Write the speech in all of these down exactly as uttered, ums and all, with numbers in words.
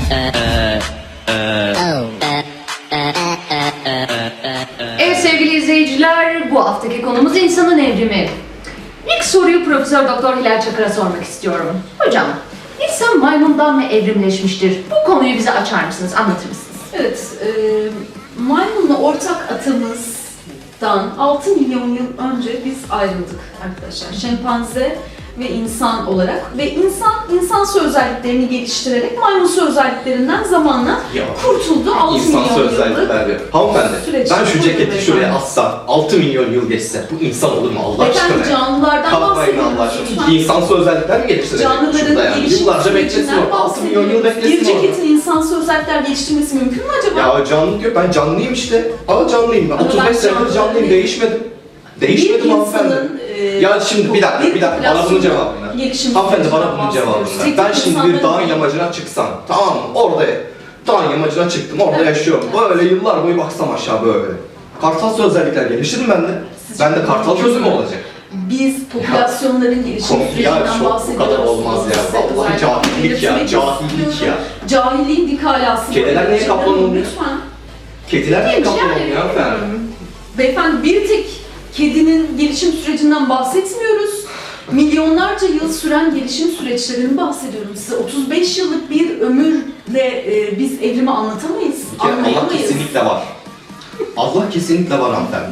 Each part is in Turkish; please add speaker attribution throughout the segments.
Speaker 1: Evet sevgili izleyiciler, bu haftaki konumuz insanın evrimi. İlk soruyu Profesör Doktor Hilal Çakır'a sormak istiyorum. Hocam, insan maymundan mı evrimleşmiştir? Bu konuyu bize açar mısınız, anlatır mısınız?
Speaker 2: Evet, e, maymunla ortak atımızdan altı milyon yıl önce biz ayrıldık arkadaşlar. Şempanze ve insan olarak ve insan insansı özelliklerini geliştirerek maymunsu özelliklerinden zamanla
Speaker 3: Ya,
Speaker 2: kurtuldu. altı
Speaker 3: İnsansı
Speaker 2: milyon
Speaker 3: özellikler
Speaker 2: yıllık.
Speaker 3: diyor. Hanımefendi,
Speaker 2: süreç.
Speaker 3: ben şu
Speaker 2: Buyurun
Speaker 3: ceketi
Speaker 2: beyefendi.
Speaker 3: şuraya assam, altı milyon yıl geçse bu insan olur mu Allah
Speaker 2: Efendim
Speaker 3: aşkına?
Speaker 2: canlılardan
Speaker 3: Kalkmayın
Speaker 2: bahsediyoruz.
Speaker 3: Allah aşkına.
Speaker 2: lütfen.
Speaker 3: İnsansı özellikler mi geliştirecek?
Speaker 2: Canlıların
Speaker 3: Şurada yani.
Speaker 2: gelişim
Speaker 3: Yıllarca beklesin
Speaker 2: sürecinden
Speaker 3: orada. altı milyon yıl
Speaker 2: bahsediyoruz.
Speaker 3: beklesin
Speaker 2: Bir
Speaker 3: orada.
Speaker 2: ceketin insansı özellikler geliştirmesi mümkün mü acaba?
Speaker 3: Ya canlı diyor, ben canlıyım işte. Ama canlıyım ben.
Speaker 2: Ama
Speaker 3: otuz
Speaker 2: ben
Speaker 3: beş senedir
Speaker 2: canlı
Speaker 3: canlıyım,
Speaker 2: değilim.
Speaker 3: değişmedim. Değişmedim hanımefendi.
Speaker 2: e,
Speaker 3: Ya şimdi bir dakika, bir dakika, bana bunun cevabını ver.
Speaker 2: gelişim
Speaker 3: Hanımefendi bana
Speaker 2: sürecinden
Speaker 3: bunun cevabını
Speaker 2: bahsediyoruz.
Speaker 3: ver. Ben
Speaker 2: Tek
Speaker 3: şimdi bir
Speaker 2: insanların-
Speaker 3: dağın yamacına çıksam, tamam mı? Orada dağın yamacına çıktım, orada yaşıyorum. Böyle yıllar boyu baksam aşağı böyle. Kartal özellikler gelişir mi bende?
Speaker 2: Sizce
Speaker 3: Bende kartal
Speaker 2: mümkün
Speaker 3: gözü mü
Speaker 2: mü?
Speaker 3: olacak?
Speaker 2: Biz popülasyonların gelişim
Speaker 3: Kom- ya
Speaker 2: sürecinden
Speaker 3: çok bu
Speaker 2: bahsediyoruz.
Speaker 3: kadar olmaz ya.
Speaker 2: Size
Speaker 3: Vallahi
Speaker 2: özellikle
Speaker 3: cahillik ya,
Speaker 2: belirtmek
Speaker 3: cahillik
Speaker 2: istiyorum.
Speaker 3: ya.
Speaker 2: Cahilliğin dik alası.
Speaker 3: Kediler niye
Speaker 2: Gerçekten
Speaker 3: kaplan olmuyor?
Speaker 2: Lütfen.
Speaker 3: Kediler niye kaplan
Speaker 2: Yani,
Speaker 3: olmuyor hanımefendi?
Speaker 2: Beyefendi bir tek kedinin gelişim sürecinden bahsetmiyoruz. Milyonlarca yıl süren gelişim süreçlerini bahsediyorum size. otuz beş yıllık bir ömürle e, biz evrimi anlatamayız,
Speaker 3: Bir kere Allah
Speaker 2: anlayamayız.
Speaker 3: kesinlikle var. Allah kesinlikle var hanımefendi.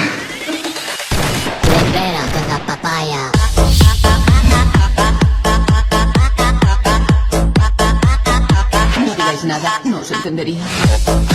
Speaker 4: Libera con la papaya.
Speaker 5: No digáis nada, no os entendería.